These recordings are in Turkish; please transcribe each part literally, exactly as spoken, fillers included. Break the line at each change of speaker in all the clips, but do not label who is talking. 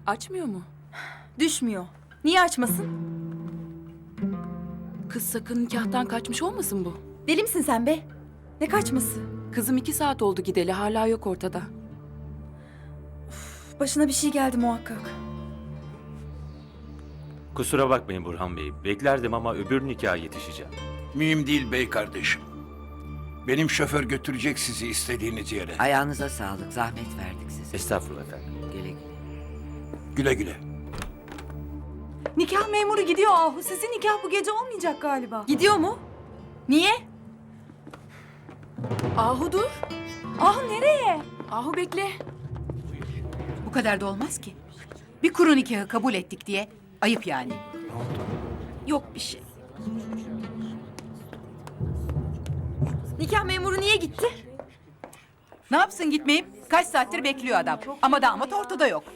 Açmıyor mu?
Düşmüyor. Niye açmasın?
Kız sakın nikahtan kaçmış olmasın bu?
Deli misin sen be? Ne kaçması?
Kızım iki saat oldu gideli, hala yok ortada.
Başına bir şey geldi muhakkak.
Kusura bakmayın Burhan Bey. Beklerdim ama öbür nikaha yetişeceğim.
Mühim değil bey kardeşim. Benim şoför götürecek sizi istediğiniz yere.
Ayağınıza sağlık. Zahmet verdik size.
Estağfurullah efendim.
Güle güle.
Güle güle.
Nikah memuru gidiyor Ahu. Sizin nikah bu gece olmayacak galiba.
Gidiyor mu? Niye?
Ahu dur.
Ahu nereye?
Ahu bekle.
Bu kadar da olmaz ki. Bir kuru nikahı kabul ettik diye. Ayıp yani.
Yok bir şey. Nikah memuru niye gitti?
Ne yapsın gitmeyip? Kaç saattir bekliyor adam. Ama damat ortada yok.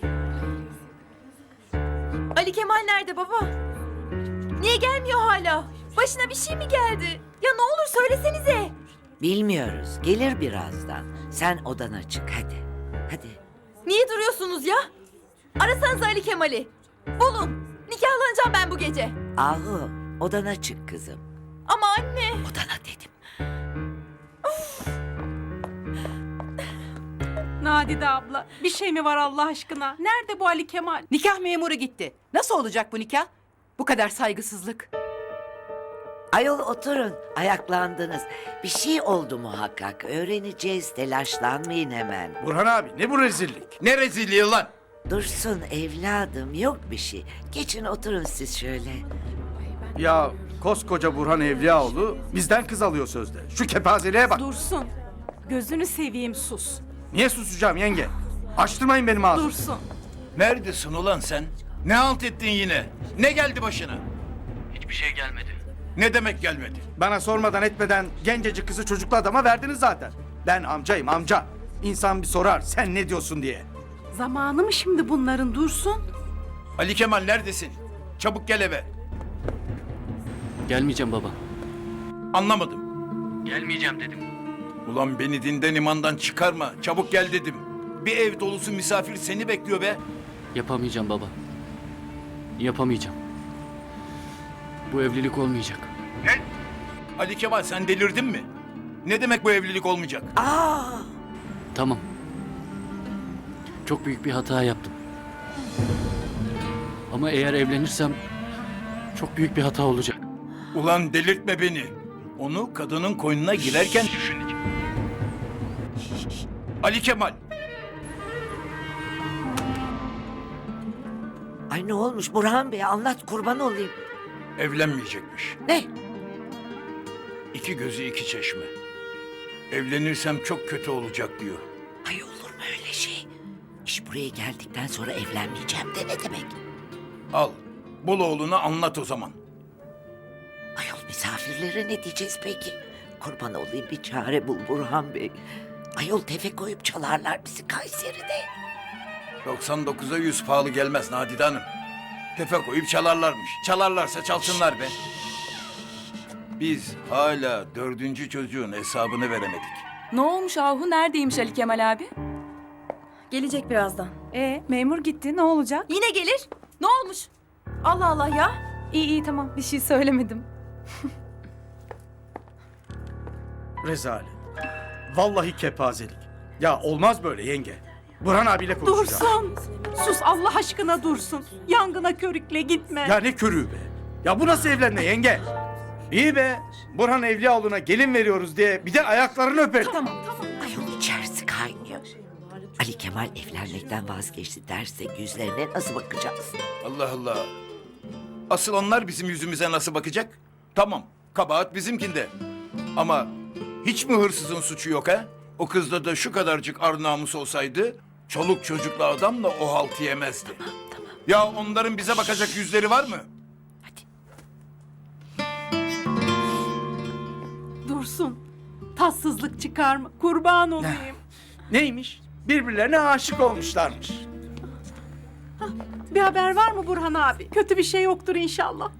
Ali Kemal nerede baba? Niye gelmiyor hala? Başına bir şey mi geldi? Ya ne olur söylesenize.
Bilmiyoruz. Gelir birazdan. Sen odana çık hadi. Hadi.
Niye duruyorsunuz ya? Arasanız Ali Kemal'i. Bulun. Nikahlanacağım ben bu gece.
Ahu odana çık kızım.
Ama anne.
Odana dedim.
Nadide abla, bir şey mi var Allah aşkına? Nerede bu Ali Kemal?
Nikah memuru gitti. Nasıl olacak bu nikah? Bu kadar saygısızlık.
Ayol oturun. Ayaklandınız. Bir şey oldu muhakkak. Öğreneceğiz. Telaşlanmayın hemen.
Burhan abi ne bu rezillik?
Ne rezilliği lan?
Dursun evladım. Yok bir şey. Geçin oturun siz şöyle.
Ya koskoca Burhan Evliyaoğlu bizden kız alıyor sözde. Şu kepazeliğe bak.
Dursun. Gözünü seveyim sus.
Niye susacağım yenge? Açtırmayın benim ağzımı.
Dursun.
Neredesin ulan sen? Ne halt ettin yine? Ne geldi başına? Hiçbir şey gelmedi. Ne demek gelmedi?
Bana sormadan etmeden gencecik kızı çocuklu adama verdiniz zaten. Ben amcayım amca. İnsan bir sorar sen ne diyorsun diye.
Zamanı mı şimdi bunların Dursun?
Ali Kemal neredesin? Çabuk gel eve.
Gelmeyeceğim baba.
Anlamadım.
Gelmeyeceğim dedim.
Ulan beni dinden imandan çıkarma. Çabuk gel dedim. Bir ev dolusu misafir seni bekliyor be.
Yapamayacağım baba. Yapamayacağım. Bu evlilik olmayacak.
Ali Kemal sen delirdin mi? Ne demek bu evlilik olmayacak?
Aa!
Tamam. Çok büyük bir hata yaptım. Ama eğer evlenirsem çok büyük bir hata olacak.
Ulan delirtme beni. Onu kadının koynuna girerken düşünecek. Ali Kemal.
Ay ne olmuş Burhan Bey anlat kurban olayım.
Evlenmeyecekmiş.
Ne?
İki gözü iki çeşme. Evlenirsem çok kötü olacak diyor.
Ay olur mu öyle şey? İş buraya geldikten sonra evlenmeyeceğim de ne demek?
Al. Bul oğluna anlat o zaman.
Ayol misafirlere ne diyeceğiz peki? Kurban olayım bir çare bul Burhan Bey. Ayol tefe koyup çalarlar bizi Kayseri'de.
doksan dokuza yüz pahalı gelmez Nadide Hanım. Tefe koyup çalarlarmış. Çalarlarsa çalsınlar be. Biz hala dördüncü çocuğun hesabını veremedik.
Ne olmuş Ahu? Neredeymiş Ali Kemal abi?
Gelecek birazdan.
E memur gitti, ne olacak?
Yine gelir. Ne olmuş? Allah Allah ya.
İyi iyi tamam, bir şey söylemedim.
Rezalet. Vallahi kepazelik. Ya olmaz böyle yenge. Burhan abiyle konuşacağım.
Dursun. Sus Allah aşkına Dursun. Yangına körükle gitme.
Ya ne körüğü be. Ya bu nasıl evlenme yenge? İyi be. Burhan Evliyaoğlu'na gelin veriyoruz diye bir de ayaklarını öperim.
Tamam tamam.
Ayol içerisi kaynıyor. Ali Kemal evlenmekten vazgeçti dersek yüzlerine nasıl bakacağız?
Allah Allah. Asıl onlar bizim yüzümüze nasıl bakacak? Tamam, kabahat bizimkinde. Ama hiç mi hırsızın suçu yok ha? O kızda da şu kadarcık ar namus olsaydı... ...çoluk çocuklu adamla o haltı yemezdi.
Tamam tamam
Ya onların bize bakacak yüzleri var mı?
hadi.
Dursun. Tatsızlık çıkarma. Kurban olayım.
Neymiş? Birbirlerine aşık olmuşlarmış.
Bir haber var mı Burhan abi? Kötü bir şey yoktur inşallah.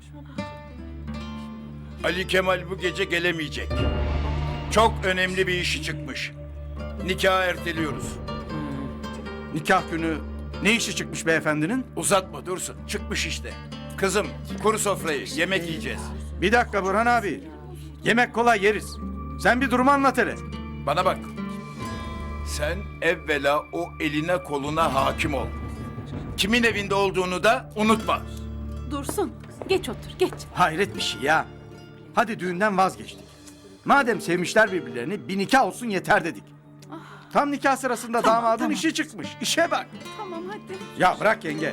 Ali Kemal bu gece gelemeyecek. Çok önemli bir işi çıkmış. Nikahı erteliyoruz.
Nikah günü Ne işi çıkmış beyefendinin?
Uzatma Dursun. Çıkmış işte. Kızım kuru sofrayı yemek yiyeceğiz.
Bir dakika Burhan abi. Yemek kolay yeriz. Sen bir durumu anlat hele.
Bana bak. Sen evvela o eline koluna hakim ol. Kimin evinde olduğunu da unutma.
Dursun. Geç otur geç.
Hayret bir şey ya. Hadi düğünden vazgeçtik. Madem sevmişler birbirlerini bir nikah olsun yeter dedik. Tam nikah sırasında damadın işi çıkmış. İşe bak.
Tamam hadi.
Ya bırak yenge.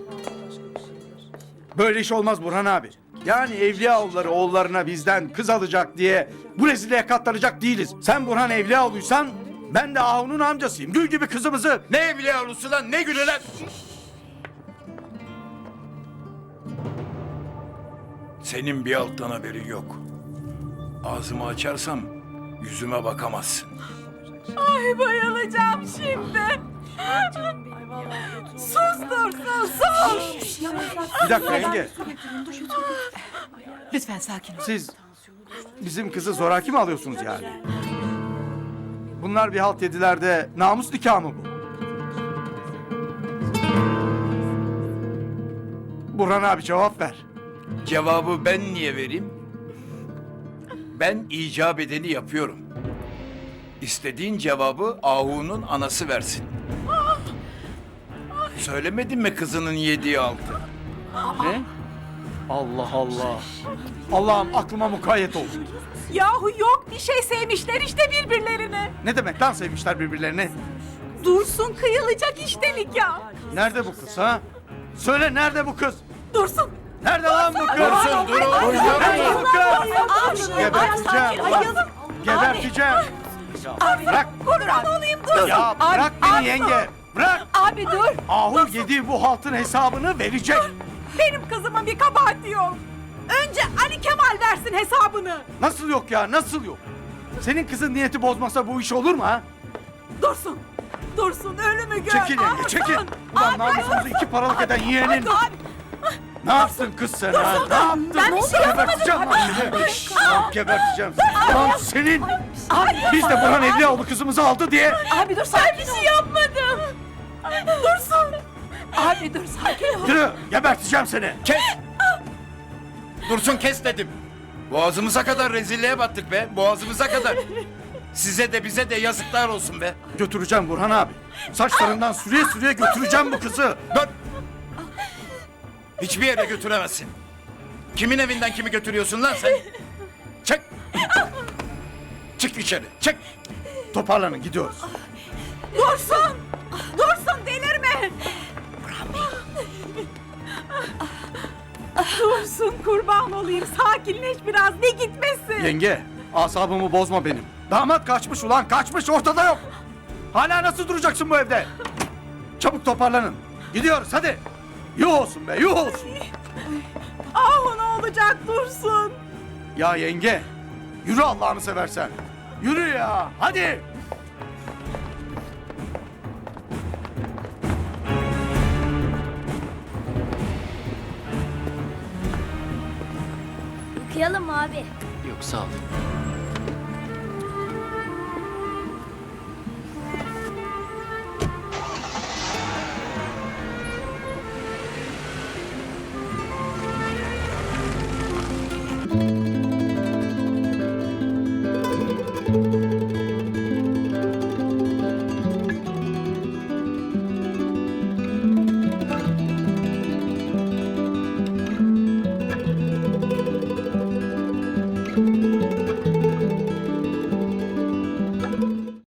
Böyle iş olmaz Burhan abi. Yani Evliyaoğulları oğullarına bizden kız alacak diye bu rezilliğe katlanacak değiliz. Sen Burhan Evliyaoğlu'ysan ben de Ahu'nun amcasıyım. Gül gibi kızımızı.
Ne evliyalısı lan ne gülü lan? Senin bir alttan haberin yok. Ağzımı açarsam yüzüme bakamazsın.
Ay bayılacağım şimdi. Sus Dursun sus.
Bir dakika yenge.
Lütfen sakin ol.
Siz bizim kızı zoraki mi alıyorsunuz yani? Bunlar bir halt yediler de namus nikahı mı bu? Burhan abi cevap ver.
Cevabı ben niye vereyim? Ben icap edeni yapıyorum. İstediğin cevabı Ahu'nun anası versin. Söylemedin mi kızının yediği altı?
Ne? Allah Allah. Allah'ım aklıma mukayyet olsun.
Yahu yok bir şey sevmişler işte birbirlerine.
Ne demek lan sevmişler birbirlerini?
Dursun kıyılacak iştelik ya.
Nerede bu kız ha? Söyle nerede bu kız?
Dursun.
Nerede lan bu kız?
Dursun dur oğlum.
Nerede bu kız? Geberteceğim. Bak, geberteceğim. Ya bırak.
Kurban olayım dur.
Ya bırak beni yenge. Bırak.
Abi dur.
Ahu yediği bu haltın hesabını verecek.
Benim kızımın bir kabahati yok. Önce Ali Kemal versin hesabını.
Nasıl yok ya nasıl yok? Senin kızın niyeti bozmasa bu iş olur mu ha?
Dursun. Dursun ölümü gör.
Çekil yenge
Dursun.
çekil. Ulan namusumuzu iki paralık eden yeğenin.
Abi.
Ne yaptın kız sen ha? Ne yaptın?
Ben bir şey yapmadım.
Geberteceğim lan seni. Lan geberteceğim seni. Lan senin. Biz de Burhan Evliyaoğlu kızımızı aldı diye.
Abi dur sakin bir şey yapmadım. Dursun. Abi dur sakin ol.
Yürü geberteceğim seni.
Kes! Dursun kes dedim. Boğazımıza kadar rezilliğe battık be. Boğazımıza kadar. Size de bize de yazıklar olsun be.
Götüreceğim Burhan abi. Saçlarından sürüye sürüye götüreceğim bu kızı.
Dur! Hiçbir yere götüremezsin. Kimin evinden kimi götürüyorsun lan sen? Çık! Çık içeri, çık!
Toparlanın gidiyoruz.
Dursun. Dursun delirme. Dursun kurban olayım. Sakinleş biraz. Ne gitmesi?
Yenge asabımı bozma benim. Damat kaçmış ulan kaçmış ortada yok. Hala nasıl duracaksın bu evde? Çabuk toparlanın. Gidiyoruz hadi. Yuh olsun be yuh olsun.
Ah ne olacak Dursun.
Ya yenge yürü Allah'ını seversen. Yürü ya hadi.
Okuyalım abi.
Yok sağ ol.
Thank you.